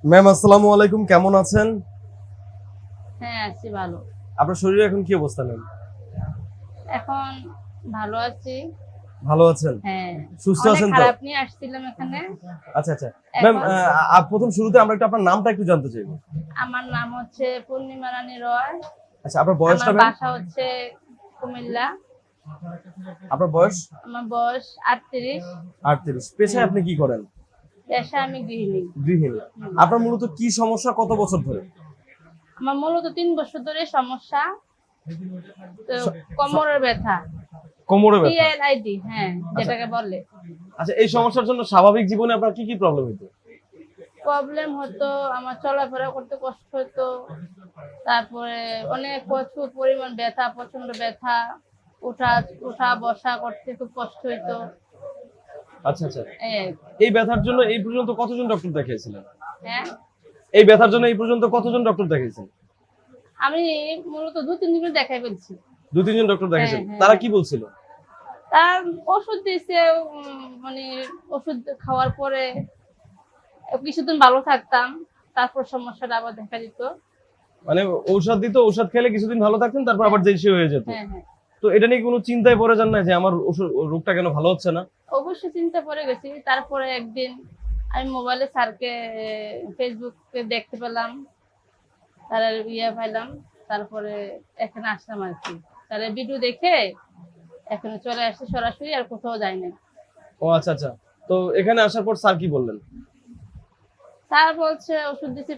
Ma'am আসসালামু আলাইকুম, কেমন আছেন? হ্যাঁ, আছি ভালো। আপনার শরীরে এখন কি অবস্থা ম্যাম? এখন ভালো আছি। ভালো আছেন? হ্যাঁ, সুস্থ অনেক আছেন তো? খারাপ নিয়ে আসছিলাম এখানে। আচ্ছা আচ্ছা ম্যাম, এখন প্রথম শুরুতে আমরা একটু আপনার নামটা একটু জানতে চাইবো। আমার নাম হচ্ছে পূর্ণিমা রানী রয়। আচ্ছা, আপনার আমার বয়সটা ম্যাম? বাসা হচ্ছে কুমিল্লা। আপনার বয়স? আমার বয়স 38। 38। পেশায় আপনি কি করেন? পেশায় আমি গৃহিণী। গৃহিণী। আপনার মূলত কি সমস্যা, কত বছর ধরে? আমার মূলত 3 বছর ধরে সমস্যা। তো কোমরের ব্যথা। কোমরে ব্যথা। PLID, হ্যাঁ, যেটাকে বলে। আচ্ছা, এই সমস্যার জন্য স্বাভাবিক জীবনে আপনার কি কি প্রবলেম হতো? প্রবলেম হতো, আমার চলাফেরা করতে কষ্ট হতো। তারপরে অনেক প্রচুর পরিমাণ ব্যথা, প্রচন্ড ব্যথা। উঠা উঠা বসা করতে খুব কষ্ট হইতো। আচ্ছা আচ্ছা, এই, এই ব্যথার জন্য এই পর্যন্ত কতজন ডক্টর দেখিয়েছিলেন? হ্যাঁ, এই ব্যথার জন্য এই পর্যন্ত কতজন ডক্টর দেখিয়েছেন? আমি মূলত 2-3 দিন দেখাই ফেলছি। 2-3 জন ডক্টর দেখিয়েছেন, হ্যাঁ, তারা হ্যাঁ। কি বলছিল? তার ওষুধ দিয়েছে, মানে ওষুধ খাওয়ার পরে কিছুদিন ভালো থাকতাম, তারপর সমস্যাটা আবার দেখা দিত। মানে ঔষধ দিত, ঔষধ খেলে কিছুদিন ভালো থাকতেন, তারপর আবার যেই সে হয়ে যেত। হ্যাঁ, হ্যাঁ, তো এটা নিয়ে কোনো চিন্তায় পড়ে যান না যে আমার রোগটা কেন ভালো হচ্ছে না? অবশ্যই চিন্তা পড়ে গেছি। তারপরে একদিন আমি মোবাইলে স্যারকে, ফেসবুকে দেখতে পেলাম, তার পাইলাম। তারপরে এখানে আসলাম আর কি। তাহলে ভিডিও দেখে এখানে চলে আসছি সরাসরি, আর কোথাও যাই না। ও আচ্ছা আচ্ছা, তো এখানে আসার পর স্যার কি বললেন? স্যার বলছে ওষুধ দিছে,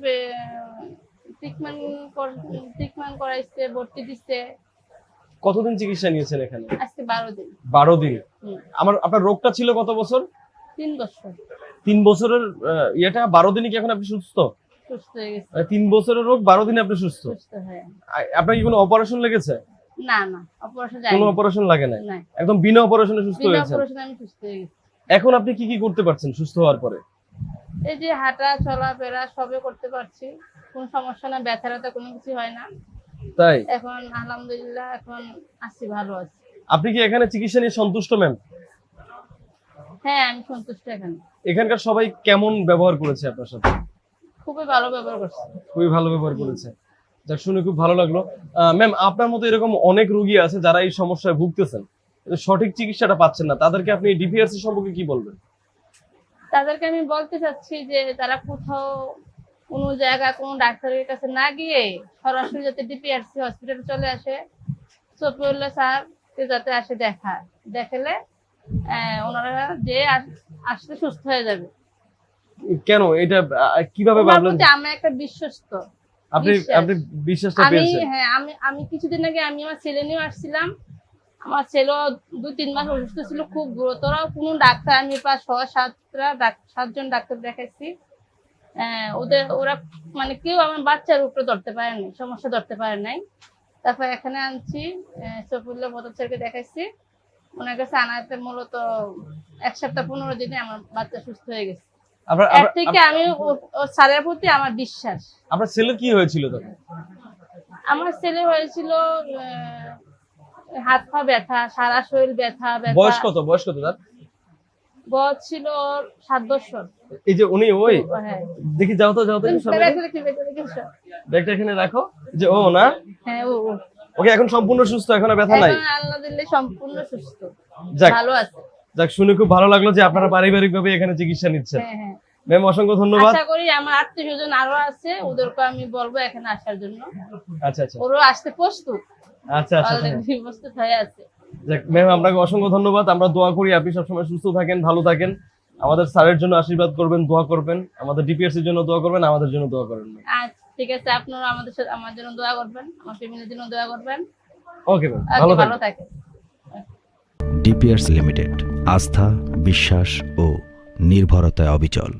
ট্রিটমেন্ট করাইছে, ভর্তি দিচ্ছে। কতদিন চিকিৎসা নিয়েছেন এখানে? আজকে 12 দিন। 12 দিন। হুম, আপনার রোগটা ছিল কত বছর? 3 বছর 3 বছরের ইয়েটা 12 দিনই কি এখন আপনি সুস্থ? সুস্থ হয়ে গেছে। 3 বছরের রোগ 12 দিনে আপনি সুস্থ? সুস্থ হয়ে। আপনার কি কোনো অপারেশন লেগেছে? না না, অপারেশন কোনো যায়নি। অপারেশন লাগে নাই? না, একদম বিনা অপারেশনে সুস্থ বিনা হয়েছেন? অপারেশনে আমি সুস্থ হয়ে গেছি। এখন আপনি কি কি করতে পারছেন সুস্থ হওয়ার পরে? এই যে হাঁটা চলাফেরা সবই করতে পারছি, কোনো সমস্যা না, ব্যথা ট্যাথা কোনো কিছু হয় না। তাই? এখন আলহামদুলিল্লাহ এখন আছি, ভালো আছি। আপনি কি এখানে চিকিৎসা নিয়ে সন্তুষ্ট ম্যাম? হ্যাঁ, আমি সন্তুষ্ট। এখানকার সবাই কেমন ব্যবহার করেছে আপনার সাথে? খুবই ভালো ব্যবহার করছে। খুবই ভালো ব্যবহার করেছে। যাক, শুনে খুব ভালো লাগলো। ম্যাম, আপনার মতো এরকম অনেক রোগী আছে যারা এই সমস্যায় ভুগতেছেন, কিন্তু সঠিক চিকিৎসাটা পাচ্ছেন না, তাদেরকে আপনি ডিপিআরসি সম্পর্কে কি বলবেন? তাদেরকে আমি বলতে চাচ্ছি যে তারা কোথাও কোনো জায়গা কোনো ডাক্তারের কাছে না গিয়ে সরাসরি যাতে ডিপিআরসি হসপিটালে চলে আসে, সফিউল্লাহ স্যার যাতে আসে দেখালে ওনারা যে আসলে সুস্থ হয়ে যাবে। কেন এটা কিভাবে ওনার ভাবলেন? প্রতি আমার একটা বিশ্বস্ত আপনি বিশ্বাস। আপনি বিশ্বাসটা আমি পেয়েছেন? হ্যাঁ, আমি কিছুদিন আগে আমি আমার ছেলে নিয়ে আসছিলাম। আমার ছেলেও 2-3 মাস অসুস্থ ছিল, খুব গুরুতর। কোনো ডাক্তার, আমি প্রায় 6-7জন ডাক্তার দেখাইছি। ওরা মানে কেউ আমার বাচ্চার উপরে ধরতে পারে নাই, সমস্যা ধরতে পারে নাই। তারপর এখানে আনছি, সফিউল্লাহ প্রধান স্যারকে দেখাইছি। ওনার কাছে আনাতে মূলত 1 সপ্তাহ 15 দিনে আমার বাচ্চা সুস্থ হয়ে গেছে। এর থেকে আমি ও স্যারের প্রতি আমার বিশ্বাস। আপনার ছেলের কি হয়েছিল তখন? আমার ছেলে হয়েছিল হাত পা ব্যথা, সারা শরীর ব্যথা। বয়স কত তার? বয়স ছিল 7 বছর। এই যে উনি ওই, হ্যাঁ, দেখি যাও তো একটু সামনে। ব্যাগটা এখানে রাখো। যে ও না? হ্যাঁ, ওকে এখন সম্পূর্ণ সুস্থ, এখন আর ব্যথা নাই? এখন আলহামদুলিল্লাহ সম্পূর্ণ সুস্থ, যাক, ভালো আছে। যাক, শুনে খুব ভালো লাগলো যে আপনারা পারিবারিকভাবে এখানে চিকিৎসা নিচ্ছেন। হ্যাঁ, হ্যাঁ, ম্যাম, অসংখ্য ধন্যবাদ। আশা করি আমার আত্মীয়স্বজন আরো আছে, ওদেরকে আমি বলবো এখানে আসার জন্য। আচ্ছা আচ্ছা ওরা আসতে প্রস্তুত, আচ্ছা আচ্ছা অলরেডি প্রস্তুত হয়ে আছে। যাক ম্যাম, আপনাকে অসংখ্য ধন্যবাদ। আমরা দোয়া করি আপনি সবসময় সুস্থ থাকেন, ভালো থাকেন। আমাদের স্যারের জন্য আশীর্বাদ করবেন, দোয়া করবেন। আমাদের ডিপিআরসির জন্য দোয়া করবেন, আমাদের জন্য দোয়া করবেন। আচ্ছা, ঠিক আছে, আপনারা আমাদের সাথে আমার জন্য দোয়া করবেন, আমার ফ্যামিলির জন্য দোয়া করবেন। ওকে ম্যাম, ভালো ভালো থাকেন। থাকেন। ডিপিআরস লিমিটেড, আস্থা, বিশ্বাস ও নির্ভরতায় অবিচল।